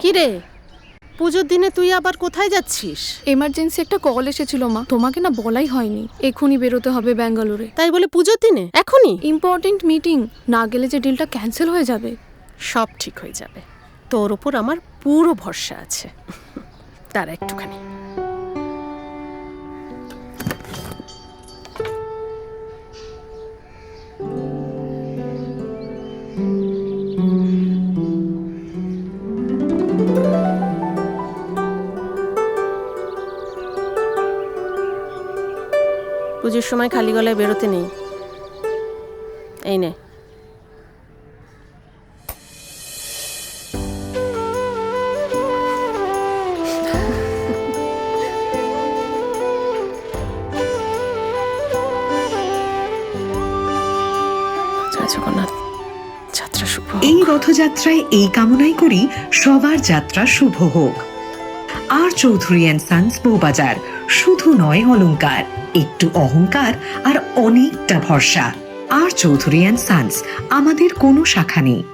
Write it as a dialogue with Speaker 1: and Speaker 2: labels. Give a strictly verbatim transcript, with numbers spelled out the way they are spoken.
Speaker 1: কি রে, পুজোর দিনে তুই আবার কোথায় যাচ্ছিস?
Speaker 2: এমার্জেন্সি একটা কল এসেছিল মা, তোমাকে না বলাই হয়নি। এক্ষুনি বেরোতে হবে ব্যাঙ্গালোরে।
Speaker 1: তাই বলে পুজোর দিনে এখনই?
Speaker 2: ইম্পর্টেন্ট মিটিং, না গেলে যে ডিলটা ক্যান্সেল হয়ে যাবে।
Speaker 1: সব ঠিক হয়ে যাবে, তোর ওপর আমার পুরো ভরসা আছে। তার একটুখানি পুজোর সময় খালি গলায় বেরোতে নেই। এই নে। জগন্নাথ যাত্রা শুভ হোক।
Speaker 3: এই রথযাত্রায় এই কামনাই করি সবার যাত্রা শুভ হোক। আর চৌধুরী অ্যান্ড সন্স বউবাজার, শুধু নয় অলংকার, একটু অহংকার আর অনেকটা ভরসা। আর চৌধুরী অ্যান্ড সন্স, আমাদের কোনো শাখা নেই,